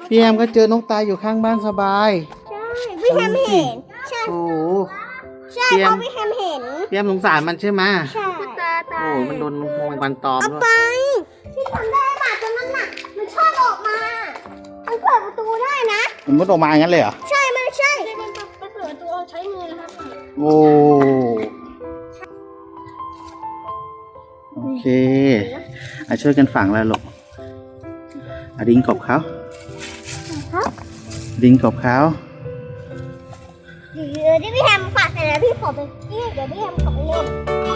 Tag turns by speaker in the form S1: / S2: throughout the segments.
S1: พี่แอมก็เจอนกตายอยู่ข้างบ้านสบาย
S2: ใช่พี่แฮมเห็นใช่
S1: โอ้
S2: ใช่เพราะพี่แฮมเห็น
S1: พี่แอมสงสารมันใช่ไหม
S2: ใช่
S1: โอ้มันโดนแมงวันตอมด้วย
S2: ไปที่ทำได้หมาตัวนั้นน่ะมันชอบออกมามันเปิดประตูได้นะ
S1: มันมุดออกมาอย่างนั้นเลยเหรอ
S2: ใช่มันใช่มันเปิดประตูใช้มือนะครับ
S1: โอ้โอเคช่วยกันฝังแล้วลูกดินกบเขาดินกบเขา
S2: เดี๋ยวพี่แฮมฝากเสร็จแล้วพี่ขอไปเดี๋ยวพี่แฮมขอไปเล่น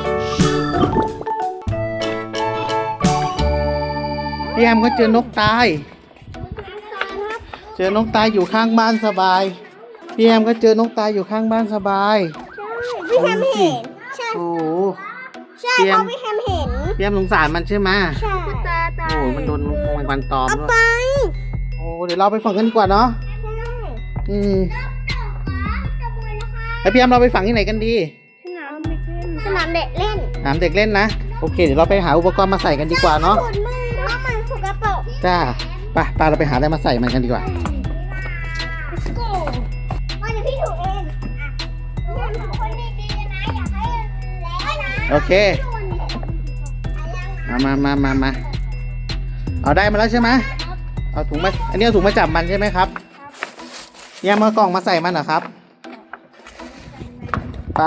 S1: พี่แอมก็เจอนกตายเจอนกตายอยู่ข้างบ้านสบายพี่แอมก็เจอนกตายอยู่ข้างบ้านสบาย
S2: พี่แฮมเห็นใช่
S1: โอ้
S2: ใช่เพราะพี่แฮมเห็น
S1: พี่แอมสงสารมันใช่ไหม
S2: ใช่
S1: โอ้มันโดนแมงวันตอมด้วย
S2: ไป
S1: โอ้เดี๋ยวเราไปฝังกันดีกว่าเนาะแล้วพี่แอมเราไปฝังที่ไหนกันดี
S2: สนามเด็กเล่น
S1: สนามเด็กเล่นนะโอเคเดี๋ยวเราไปหาอุปกรณ์มาใส่กันดีกว่าเนาะ
S2: มันสกปรก
S1: จ้าไปเราไปหาอะไรมาใส่มันกันดีกว่า
S2: เดี๋ยวพี่ถูเองคนดีๆนะอยากให้แล้วนะ
S1: โอเคมาเอาได้มาแล้วใช่ไหมเอาถุงมาอันนี้เอาถุงมาจับมันใช่ไหมครับเนี่ยมากล่องมาใส่มันเหรอครับไป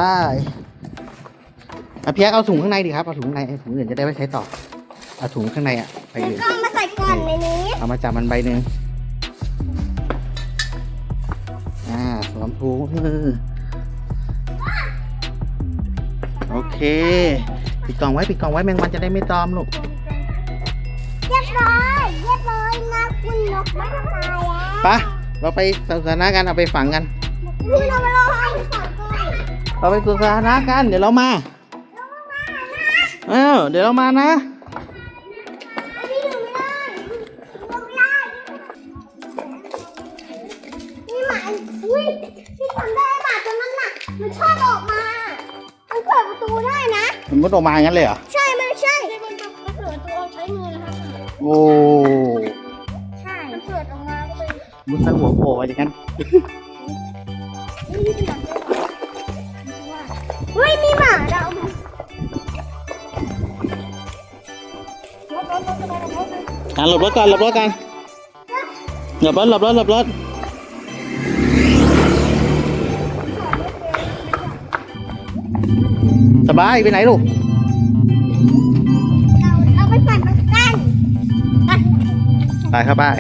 S1: เพียกเอาถุงข้างในดิครับเอาถุงข้างในถุงอื่นจะได้ไว้ใช้ต่อเอาถุงข้างในไปอื่น
S2: ก็มาใส่ก่อนในนี้
S1: เอามาจับมันใบหนึ่งสวมถุงโอเคปิดกล่องไว้แมงวันจะได้ไม่ตอมลูก
S2: เรียบร้อยนะคุณนกไม่ทำลายแล้ว
S1: ไปเราไปสวนสาธารณะกันเอาไปฝังกัน
S2: เราไปรอให้ฝังก่อน
S1: เราไปสวนสาธารณะกันเดี๋ยวเรามาเดี๋ยวเรามานะ
S2: นี่หมาที่ทำได้หมาตัวนั้นน่ะมันชอบออกมามันเปิดประตูได้นะ
S1: มันมุดออกมาอย่างนั้นเลยเหรอ
S2: ใช่มันใช่มันเปิดประตูใช้มือนะครับ
S1: โอ้
S2: ใช่มันเปิดออกมาก็เป็น
S1: มุดทั้งหัวโผล่อย่างนั้น
S2: เฮ้ยมีหมาเรา
S1: หลบรถกันหลบรถสบายไปไหนลูก
S2: เราไปฝันกัน
S1: ไปครับไป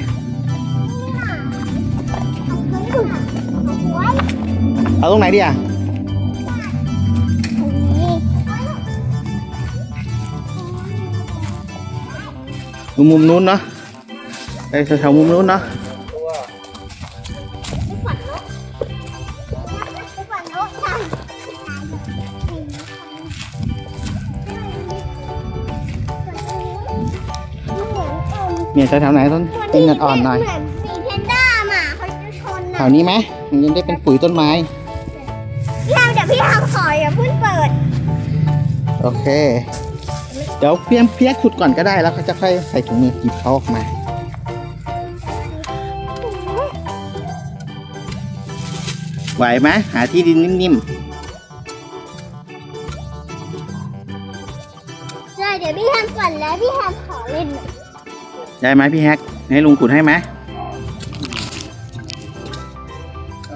S1: เอาตรงไหนดีอ่ะมุมนู้นเนาะไปแถวมุมนู้นเนาะเนี่ยแถวไหนต้นเป็นเงินอ่อนหน่อย
S2: มีเพนด้าหมาเขาจะชน
S1: แถวนี้ไหมมันยังได้เป็นปุ๋ยต้นไม้
S2: เดี๋ยวพี่ทำขออย่าเพิ่งเปิด
S1: โอเคเดี๋ยวเพี้ยขุดก่อนก็ได้แล้วเขาจะค่อยใส่ถุงมือหยิบเขาออกมาไหวไหมหาที่ดินนิ่ม
S2: ๆใช่เดี๋ยวพี่ทำก่อนแล้วพี่ทำขอเล่น
S1: ได้ไหมพี่แฮกให้ลุงขุดให้ไหมโอ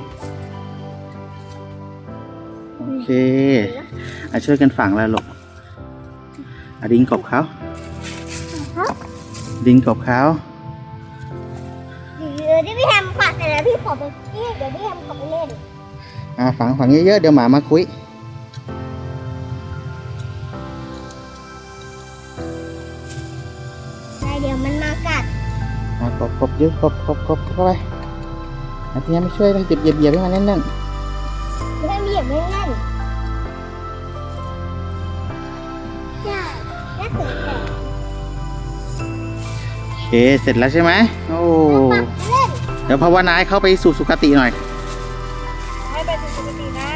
S1: เคช่วยกันฝังแล้วลูกดินกบเขาเดี๋
S2: ยวพี่แฮมฝากเสร็จแล้วพี่ขอไปเดี๋ยวพี่แฮมขอไปเล่น
S1: ฝังเยอะๆเดี๋ยวหมามาคุย
S2: เดี๋ยวมันมากัด
S1: กบเยอะกบเข้าไปพี่แฮมไม่ช่วยเลยเหยียบให้มันแน่น
S2: พี่แฮมเหยียบไม่แน่น
S1: โอเคเสร็จแล้วใช่ไหมโอ้เดี๋ยวภาวนาให้เข้าไปสู่สุคติหน่อย
S2: ให้ไปสู่สุคตินะ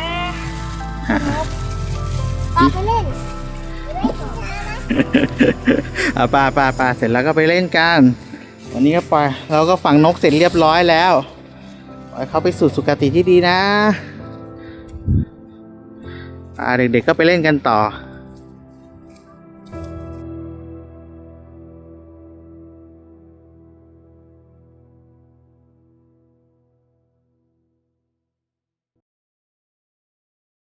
S2: ไปเล่น
S1: ป้าเสร็จแล้วก็ไปเล่นกันโวันนี้ก็ปล่อยเราก็ฝังนกเสร็จเรียบร้อยแล้วปล่อยเขาไปสู่สุคติที่ดีนะเด็กๆก็ไปเล่นกันต่อ